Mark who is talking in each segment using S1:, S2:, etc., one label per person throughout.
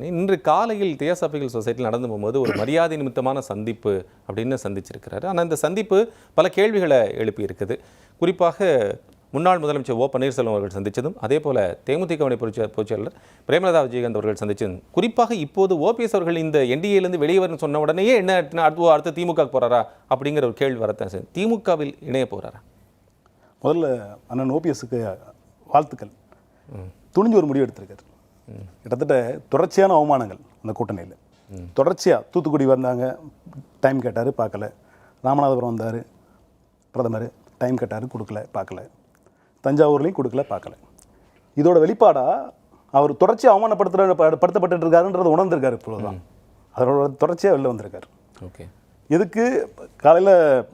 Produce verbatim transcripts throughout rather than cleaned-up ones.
S1: சொன்னேன். இன்று காலையில் தியோசாபிக்கல் சொசைட்டியில் நடந்து போகும்போது ஒரு மரியாதை நிமித்தமான சந்திப்பு அப்படின்னு சந்திச்சிருக்கிறாரு. ஆனால் இந்த சந்திப்பு பல கேள்விகளை எழுப்பி இருக்குது. குறிப்பாக முன்னாள் முதலமைச்சர் ஓ பன்னீர்செல்வம் அவர்கள் சந்தித்ததும், அதே போல தேமுதிகவினை பொதுச்செயலாளர் பிரேமலதா விஜயகாந்த் அவர்கள் சந்தித்ததும், குறிப்பாக இப்போது ஓபிஎஸ் அவர்கள் இந்த என்டிஏலேருந்து வெளியே வரணும்னு சொன்ன உடனேயே என்ன அடுத்து அடுத்து திமுக போகிறாரா அப்படிங்கிற ஒரு கேள்வி வரத்தான் சார். திமுகவில் இணைய போகிறாரா?
S2: முதல்ல அண்ணன் ஓபிஎஸ்க்கு வாழ்த்துக்கள். துணிஞ்சு ஒரு முடிவு எடுத்திருக்காரு. கிட்டத்தட்ட தொடர்ச்சியான அவமானங்கள் அந்த கூட்டணியில். தொடர்ச்சியாக தூத்துக்குடி வந்தாங்க, டைம் கேட்டார், பார்க்கல. ராமநாதபுரம் வந்தார் பிரதமர், டைம் கேட்டார், கொடுக்கல, பார்க்கல. தஞ்சாவூர்லேயும் கொடுக்கல, பார்க்கல. இதோட வெளிப்பாடாக அவர் தொடர்ச்சியாக அவமானப்படுத்துகிற படுத்தப்பட்டு இருக்காருன்றதை உணர்ந்திருக்காரு. இப்போதான் அதோட தொடர்ச்சியாக வெளில வந்திருக்காரு.
S1: ஓகே,
S2: எதுக்கு காலையில்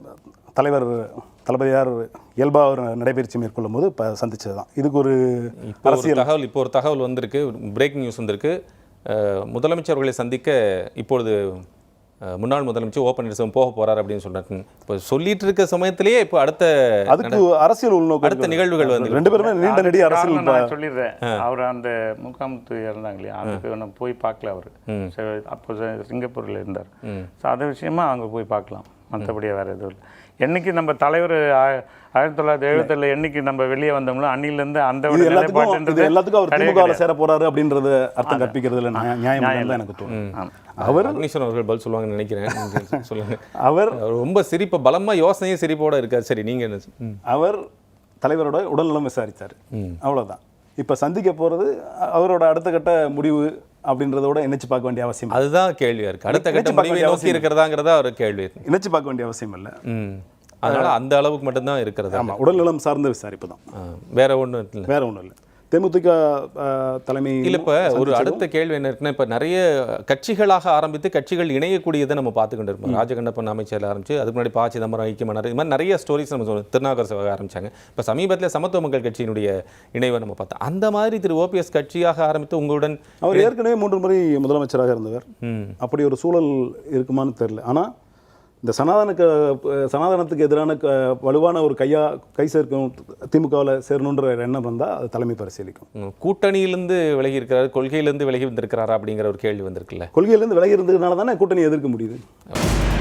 S2: தலைவர் தளபதியார் இயல்பாக ஒரு நடைபயிற்சி மேற்கொள்ளும் போது இப்போ சந்திச்சது தான். இதுக்கு ஒரு அரசியல்
S1: தகவல் இப்போ ஒரு தகவல் வந்திருக்கு, பிரேக்கிங் நியூஸ் வந்திருக்கு. முதலமைச்சர்களை சந்திக்க இப்பொழுது முன்னாள் முதலமைச்சர் ஓ பன்னீர்செல்வம் போக போறார் அப்படின்னு சொன்னாங்க. இப்போ சொல்லிட்டு இருக்க சமயத்திலேயே இப்போ அடுத்த
S2: அதுக்கு அரசியல் உள்நோக்கம்,
S1: அடுத்த நிகழ்வுகள் வந்து
S2: ரெண்டு பேருமே நீண்ட நெடிய அரசியல்.
S3: நான் சொல்லிடுறேன், அவர் அந்த முகாமுத்து இறந்தாங்க இல்லையா, அதுக்கு நம்ம போய் பார்க்கல. அவர் அப்போ சிங்கப்பூரில் இருந்தார். ஸோ அது விஷயமா அங்கே போய் பார்க்கலாம், மற்றபடியாக வேறு எதுவும் இல்லை. என்னைக்கு நம்ம தலைவர் ஆயிரத்தி தொள்ளாயிரத்தி எழுபத்தேழுல என்னைக்கு நம்ம வெளியே வந்தோம்னோ அன்னிலிருந்து அந்த
S2: எல்லாத்துக்கும் அவர் திமுகவில் சேர போறாரு அப்படின்றத அர்த்தம் கற்பிக்கிறதுல நியாயம் தான் எனக்கு தோணும்.
S1: அவர் அக்னீஸ்வரன் அவர்கள் பதில் சொல்லுவாங்கன்னு நினைக்கிறேன். சொல்லுங்க.
S2: அவர்
S1: ரொம்ப சிரிப்பு, பலமா யோசனையும் சிரிப்போட இருக்காரு. சரி, நீங்க என்ன?
S2: அவர் தலைவரோட உடல்நலம் விசாரித்தார், அவ்வளவுதான். இப்ப சந்திக்க போறது அவரோட அடுத்த கட்ட முடிவு அப்படின்றதோட இணைச்சு பார்க்க வேண்டிய அவசியம்,
S1: அதுதான் கேள்வியா இருக்கு. அடுத்த கட்ட முடிவை நோக்கி இருக்கிறதாங்கிறதா ஒரு கேள்வி.
S2: இணைச்சு பார்க்க வேண்டிய அவசியம் இல்லை.
S1: அதனால அந்த அளவுக்கு மட்டும்தான் இருக்கிறது.
S2: ஆமாம், உடல்நலம் சார்ந்த விசாரிப்பு தான்,
S1: வேற ஒன்றும் இல்லை.
S2: வேற ஒன்றும் இல்லை. தேமுதிக தலைமை
S1: இல்லை. இப்போ ஒரு அடுத்த கேள்வி என்ன இருக்குன்னா, இப்போ நிறைய கட்சிகளாக ஆரம்பித்து கட்சிகள் இணையக்கூடியதை நம்ம பார்த்துக்கிட்டு இருப்போம். ராஜகண்ணப்பன் அமைச்சர் ஆரம்பிச்சு, அதுக்கு முன்னாடி பா சிதம்பரம், ஐக்கியமனர், இது மாதிரி நிறைய ஸ்டோரிஸ் நம்ம சொல்லுவோம். திருநாகர் சபை ஆரம்பிச்சாங்க. இப்போ சமீபத்தில் சமத்துவ மக்கள் கட்சியினுடைய இணைவை நம்ம பார்த்தோம். அந்த மாதிரி திரு ஓபிஎஸ் கட்சியாக ஆரம்பித்து உங்களுடன்,
S2: அவர் ஏற்கனவே மூன்று முறை முதலமைச்சராக இருந்தவர். அப்படி ஒரு சூழல் இருக்குமான்னு தெரியல. ஆனால் இந்த சனாதனுக்கு சனாதனத்துக்கு எதிரான வலுவான ஒரு கையா கை சேர்க்கும் திமுகவில் சேரணுன்ற எண்ணம் வந்தால் அது தலைமை பரிசீலிக்கும்.
S1: கூட்டணியிலிருந்து விலகி இருக்கிறாரு, கொள்கையிலிருந்து விலகி வந்திருக்கிறாரா அப்படிங்கிற ஒரு கேள்வி வந்திருக்குல்ல.
S2: கொள்கையிலிருந்து விலகி இருந்ததுனால தானே கூட்டணி எதிர்க்க முடியுது.